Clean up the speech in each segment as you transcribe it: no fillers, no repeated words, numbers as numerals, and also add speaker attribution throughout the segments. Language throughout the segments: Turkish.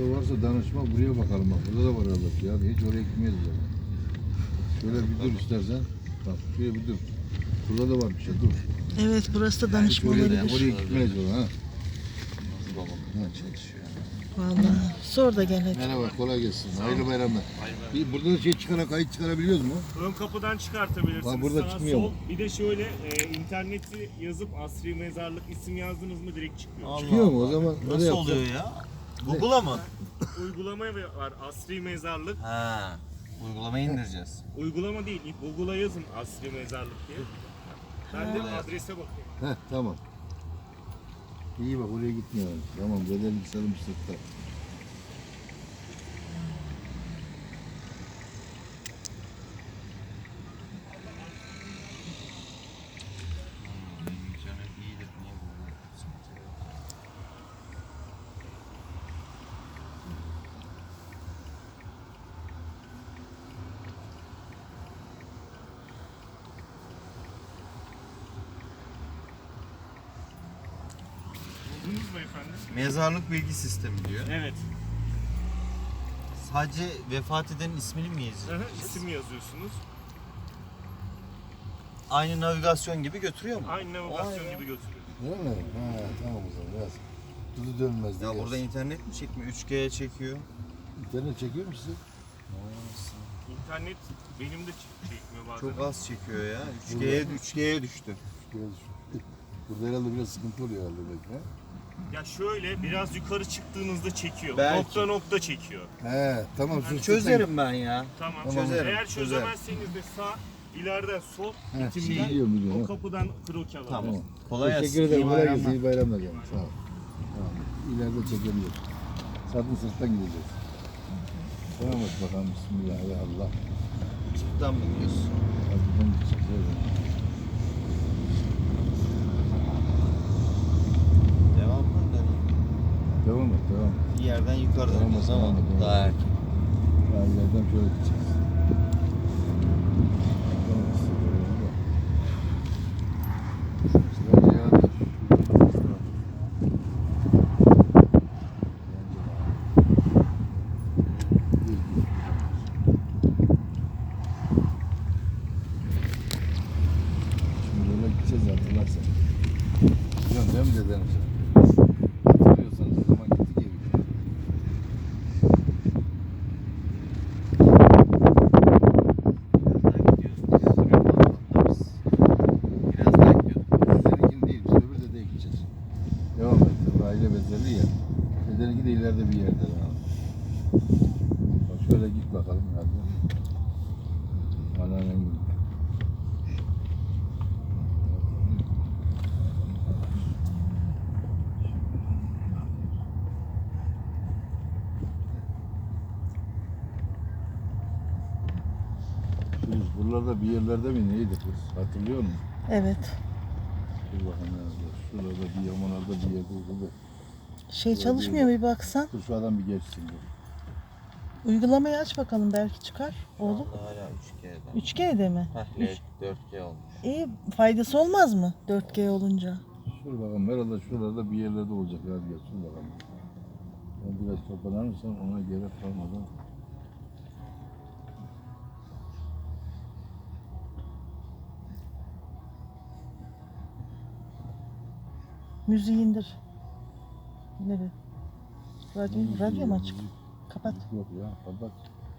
Speaker 1: Burada varsa danışma buraya bakalım bak. Burada da var Allah ya. Hiç oraya gitmeyiz o zaman. Şöyle bir dur istersen. Bak şöyle bir dur. Burada da var bir şey dur.
Speaker 2: Evet, burası da danışma
Speaker 1: Oraya
Speaker 2: olabilir.
Speaker 1: gitmeyiz o zaman ha.
Speaker 3: Babam çalışıyor.
Speaker 2: Vallahi. Sor da gel hadi.
Speaker 1: Merhaba kolay gelsin. Hayırlı bayramlar. Burada da şey kayıt çıkarabiliyoruz mu?
Speaker 4: Ön kapıdan çıkartabilirsiniz.
Speaker 1: Ha, burada
Speaker 4: Sağ,
Speaker 1: çıkmıyor
Speaker 4: sol.
Speaker 1: mu?
Speaker 4: Bir de şöyle interneti yazıp Asri Mezarlık isim yazdınız mı direkt çıkıyor.
Speaker 1: Çıkıyor mu o zaman? Öyle
Speaker 3: Nasıl
Speaker 1: yapsak.
Speaker 3: oluyor ya? Google'a mı?
Speaker 4: Uygulama var Asri Mezarlık.
Speaker 3: Ha. Uygulamayı indireceğiz.
Speaker 4: Uygulama değil, Google'a yazın Asri Mezarlık diye. Ben de adrese bakayım.
Speaker 1: Heh tamam. İyi bak oraya gitmiyor. Tamam bedel sarılmış sırtta.
Speaker 3: Canım iyidir niye bu?
Speaker 4: Buldunuz mu efendim?
Speaker 3: Mezarlık bilgi sistemi diyor.
Speaker 4: Evet.
Speaker 3: Sadece vefat edenin ismini mi yazıyor?
Speaker 4: İsim yazıyorsunuz.
Speaker 3: Aynı navigasyon gibi götürüyor mu?
Speaker 4: Aynı navigasyon gibi götürüyor.
Speaker 1: Değil mi? Ha tamam o zaman biraz. Dudu dönmez diye.
Speaker 3: Ya burada internet mi çekmiyor? 3G'ye çekiyor.
Speaker 1: İnternet çekiyor mu size?
Speaker 4: İnternet benim de çekmiyor bazen.
Speaker 3: Çok az çekiyor ya. 3G'ye düştü.
Speaker 1: Burada herhalde biraz sıkıntı oluyor herhalde belki. Ha?
Speaker 4: Ya şöyle biraz yukarı çıktığınızda çekiyor.
Speaker 3: Belki.
Speaker 4: Nokta nokta çekiyor.
Speaker 1: He tamam.
Speaker 4: Yani
Speaker 3: Çözerim ben ya.
Speaker 4: Tamam.
Speaker 3: Çözerim,
Speaker 4: Eğer
Speaker 3: çözerim.
Speaker 4: çözemezseniz de sağ, ileriden sol,
Speaker 1: He,
Speaker 4: bitimden
Speaker 1: biliyorum, biliyorum.
Speaker 4: o kapıdan kroki alalım.
Speaker 3: Tamam. Kolay gelsin.
Speaker 1: Teşekkür ederim.
Speaker 3: İyi
Speaker 1: Kolay
Speaker 3: bayramlar.
Speaker 1: gelsin. İyi bayramlar yani. Sağ ol. Tamam. İleride çekebiliriz. Satın sırttan gideceğiz. Tamam bak bakalım. Bismillah. Ya Allah.
Speaker 3: Çıktan mı gidiyorsun?
Speaker 1: Hadi buradan gideceğiz. Evet.
Speaker 3: Devam mı?
Speaker 1: Devam et. Devam.
Speaker 3: Bir yerden yukarı
Speaker 1: Devam et,
Speaker 3: dönüyoruz ama
Speaker 1: devam et, devam et.
Speaker 3: daha erken.
Speaker 1: Daha ileriden şöyle gideceğiz. Tamam, işte böyle oldu. Sıra ya. Şimdi böyle gideceğiz hatırlarsan. Biliyorsun değil mi dedem sen? Hatırlıyorsanız o zaman gittik ya.
Speaker 3: Biraz daha gidiyorduk.
Speaker 1: Dedeninkini değil, biz öbür dedeye gideceğiz. Devam et. Aile benzerliği ya. Dedeninki de ileride bir yerde. Bak şöyle git bakalım hadi. Anneannem gibi. Biz buralarda bir yerlerde mi neydi kız? Hatırlıyor musun?
Speaker 2: Evet.
Speaker 1: Dur bakalım nerede? Şurada bir yamanlarda bir yerde oldu.
Speaker 2: Şey çalışmıyor bir baksan.
Speaker 1: Dur şu adam bir geçsin. Dur.
Speaker 2: Uygulamayı aç bakalım belki çıkar oğlum.
Speaker 3: Hala 3G'den.
Speaker 2: 3G'de mi?
Speaker 3: Heh, 4G oldu.
Speaker 2: İyi, faydası olmaz mı 4G olunca?
Speaker 1: Şur bakalım herhalde şuralarda bir yerlerde olacak. Hadi gel şur bakalım. Ben biraz toparlanırsam ona gerek kalmadan.
Speaker 2: Müziği indir. Nereye? Radyo mu açık? Kapat.
Speaker 1: Yok ya kapat.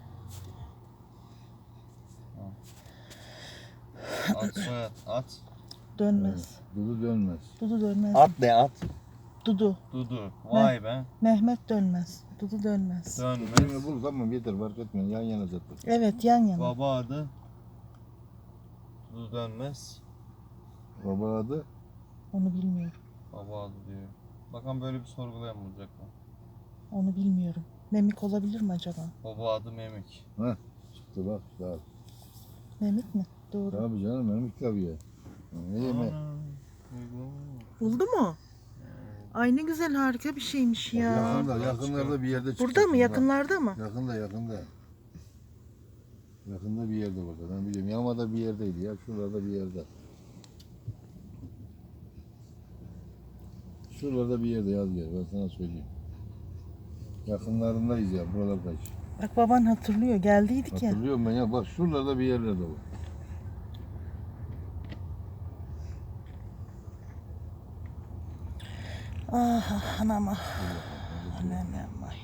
Speaker 3: At soyad at.
Speaker 2: Dönmez.
Speaker 1: Dudu dönmez.
Speaker 2: Dudu dönmez.
Speaker 3: At ne at?
Speaker 2: Dudu.
Speaker 3: Dudu. Vay be.
Speaker 2: Mehmet dönmez. Dudu dönmez.
Speaker 3: Dönmez.
Speaker 1: Dönmez. Bul tamam yeter fark etmiyor. Yan yana zaten.
Speaker 2: Evet, yan yana.
Speaker 3: Baba adı. Dudu dönmez.
Speaker 1: Baba adı.
Speaker 2: Onu bilmiyorum.
Speaker 3: Baba adı diyor. Bakalım böyle bir sorgulayan bulacak mı?
Speaker 2: Onu bilmiyorum. Memik olabilir mi acaba?
Speaker 3: Baba adı Memik.
Speaker 1: Heh çıktı bak sağ ol.
Speaker 2: Memik mi? Doğru.
Speaker 1: Tabii canım memik tabii ya. Ne yeme?
Speaker 2: Buldu mu? Ay ne güzel, harika bir şeymiş ya.
Speaker 1: Yakınlarda bir yerde çıktı.
Speaker 2: Burada mı? Yakınlarda mı?
Speaker 1: Yakında. Yakında bir yerde burada. Ben biliyorum. Yamada bir yerdeydi ya. Şuralarda bir yerde. Şuralarda bir yerde yaz gel. Ben sana söyleyeyim. Yakınlarındayız ya buralardayız.
Speaker 2: Bak baban hatırlıyor. Geldiydik ya.
Speaker 1: Hatırlıyorum ben ya bak şuralarda bir yerlerde var.
Speaker 2: Ah anam ah. Anam ay.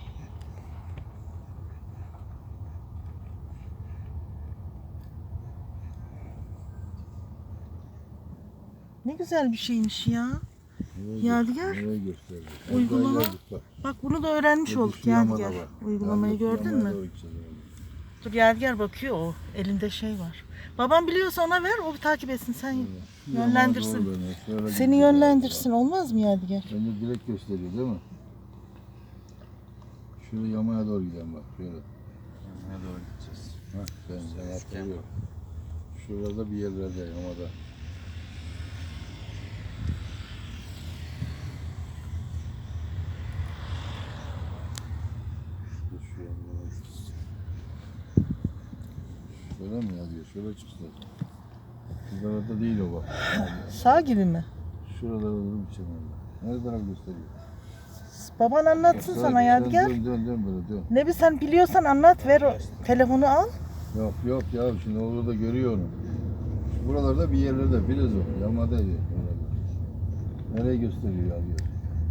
Speaker 2: Ne güzel bir şeymiş ya. Yadigar.
Speaker 1: Nereye gösterdi?
Speaker 2: Uygulama.
Speaker 1: Oraya geldik bak.
Speaker 2: Bak bunu da öğrenmiş
Speaker 1: Burada
Speaker 2: olduk
Speaker 1: şu yamada
Speaker 2: Yadigar.
Speaker 1: var.
Speaker 2: Uygulamayı
Speaker 1: Yadigar, şu
Speaker 2: gördün
Speaker 1: yamaya
Speaker 2: mü?
Speaker 1: doğru gideceğiz herhalde.
Speaker 2: Dur Yadigar bakıyor o. Elinde şey var. Babam biliyorsa ona ver. O bir takip etsin. Sen
Speaker 1: Şu yamaya
Speaker 2: yönlendirsin.
Speaker 1: doğru dönüyor, şöyle
Speaker 2: Seni
Speaker 1: gideceğiz
Speaker 2: yönlendirsin. Olmaz mı Yadigar?
Speaker 1: herhalde. Bence direkt gösteriyor değil mi? Şöyle yamaya doğru gidelim bak şöyle.
Speaker 3: Yanına doğru gideceğiz.
Speaker 1: Hah ben hatırlıyorum. Şurada bir yerlerde yamada. Şu yamada. Şöyle mi yazıyor? Şöyle çıksın. Şuralarda değil o bak.
Speaker 2: Sağ gibi mi?
Speaker 1: Şuralarda durum için öyle. Nerede taraf gösteriyor?
Speaker 2: Baban anlatsın sana Yadigar.
Speaker 1: Dön böyle dön.
Speaker 2: Ne bir sen biliyorsan anlat ver o telefonu al.
Speaker 1: Yok ya şimdi orada görüyor onu. Buralarda bir yerlerde biraz o. Yamadaydı. Oralarda. Nereye gösteriyor ya diyor.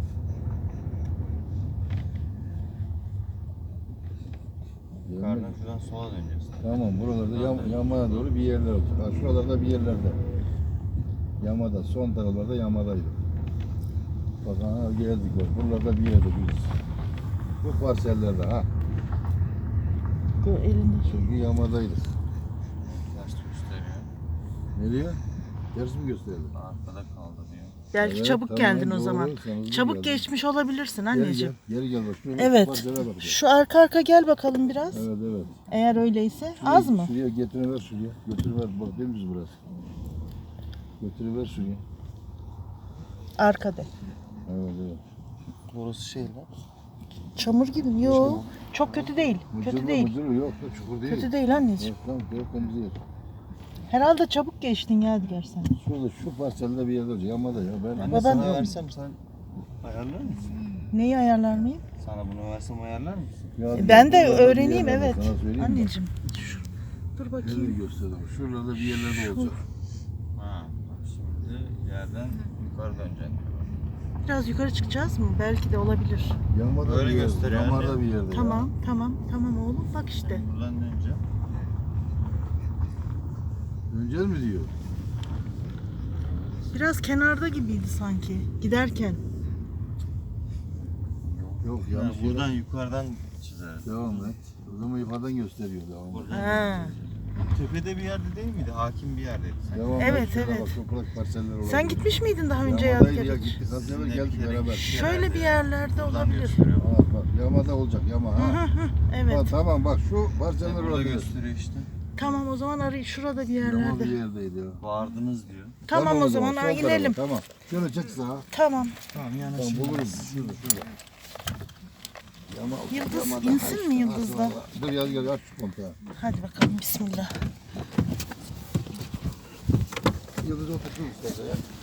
Speaker 3: Yukarıdan şuradan sola döneceğiz.
Speaker 1: Tamam buralarda yamaya doğru bir yerler olacak. Ha, şuralarda bir yerlerde. Yamada son taraflarda yamadaydı. Bak ha geldik bak. Buralarda bir yerde biz. Bu parsellerde ha.
Speaker 2: Dur elinde şey.
Speaker 1: Çünkü yamadaydı.
Speaker 3: Ters gösteriyor.
Speaker 1: Nereye? Ters mi gösterdi?
Speaker 3: Arkada kaldı diyor.
Speaker 2: Belki
Speaker 1: Evet,
Speaker 2: çabuk
Speaker 1: tamam,
Speaker 2: geldin o
Speaker 1: doğru,
Speaker 2: zaman.
Speaker 1: sen hızlı
Speaker 2: Çabuk
Speaker 1: geldin.
Speaker 2: geçmiş olabilirsin
Speaker 1: Gel
Speaker 2: anneciğim.
Speaker 1: gel gel bak. Şöyle
Speaker 2: Evet.
Speaker 1: parsele bak.
Speaker 2: Şu arka arka gel bakalım biraz.
Speaker 1: Evet.
Speaker 2: Eğer öyleyse.
Speaker 1: Şuraya,
Speaker 2: Az mı?
Speaker 1: Şuraya getiriver şuraya. Götürüver bak değil mi burası? Götürüver şuraya.
Speaker 2: Arkada.
Speaker 1: Evet.
Speaker 3: Burası şey lan.
Speaker 2: Çamur gibi mi? Yok. Çok kötü değil. Kötü değil.
Speaker 1: Mıcırlı yok da çukur değil.
Speaker 2: Kötü değil anneciğim.
Speaker 1: Yok lan yok temizliyor.
Speaker 2: Herhalde çabuk geçtin Yadigar sen.
Speaker 1: Şurada şu parselde bir yerde olacak. Yamada ya. Ben
Speaker 3: Anne
Speaker 2: Baban-
Speaker 3: sana versem sen ayarlar mısın?
Speaker 2: Neyi ayarlar mıyım?
Speaker 3: Sana bunu versem ayarlar mısın?
Speaker 1: Ya,
Speaker 2: Ben de
Speaker 1: buralarda bir
Speaker 2: öğreneyim
Speaker 1: yerlerde,
Speaker 2: evet.
Speaker 1: sana söyleyeyim mi?
Speaker 2: Anneciğim. Dur
Speaker 1: Nereye
Speaker 2: bakayım.
Speaker 1: gösterdim? Şuralarda bir yerlerde olacak.
Speaker 3: Ha. Bak şimdi yerden yukarı döneceksin.
Speaker 2: Biraz yukarı çıkacağız mı? Belki de olabilir.
Speaker 1: Yamada
Speaker 3: Öyle
Speaker 1: bir yerde.
Speaker 3: gösteriyor
Speaker 1: Yamada
Speaker 3: anne.
Speaker 1: bir yerde.
Speaker 2: Tamam oğlum. Bak işte.
Speaker 3: Buradan döneceğim.
Speaker 1: Döneceğiz mi diyor?
Speaker 2: Biraz kenarda gibiydi sanki. Giderken.
Speaker 1: Yok
Speaker 3: Yani
Speaker 1: yanlış
Speaker 3: buradan
Speaker 1: yere.
Speaker 3: yukarıdan çizeriz.
Speaker 1: Devam et. O zaman yukarıdan gösteriyor. Devam et.
Speaker 3: Buradan
Speaker 2: Ha.
Speaker 3: tepede bir yerde değil miydi? Hakim bir yerdeydi. Sen.
Speaker 1: Devam
Speaker 2: Evet,
Speaker 1: et. Şurada
Speaker 2: evet.
Speaker 1: Bak, toprak parseller olabilir.
Speaker 2: Sen gitmiş miydin daha önce
Speaker 1: Yamadaydı
Speaker 2: Yadigar?
Speaker 1: ya gittik. Az evvel geldik beraber.
Speaker 2: Şöyle bir yerlerde
Speaker 3: Buradan
Speaker 2: olabilir.
Speaker 3: gösteriyor.
Speaker 1: Ha, bak yamada olacak yama ha.
Speaker 2: Evet.
Speaker 1: Ha, tamam bak şu parseller
Speaker 3: Burada
Speaker 1: olabilir.
Speaker 3: gösteriyor işte.
Speaker 2: Tamam o zaman arayın şurada bir
Speaker 1: Yama bir
Speaker 2: yerlerde.
Speaker 1: yerdeydi ya.
Speaker 3: Vardınız diyor.
Speaker 2: Tamam o zaman
Speaker 1: son tarafa,
Speaker 2: inelim.
Speaker 1: Tamam. Şöyle çek sağa.
Speaker 2: Tamam.
Speaker 3: Tamam
Speaker 1: Tamam
Speaker 3: yanaşın.
Speaker 1: bulurum. Şurada. Yama,
Speaker 2: Yıldız
Speaker 1: yamada.
Speaker 2: insin mi Yıldız'da?
Speaker 1: Ha, dur gel aç şu kontağı.
Speaker 2: Hadi bakalım bismillah.
Speaker 1: Yıldız otursun istersen ya.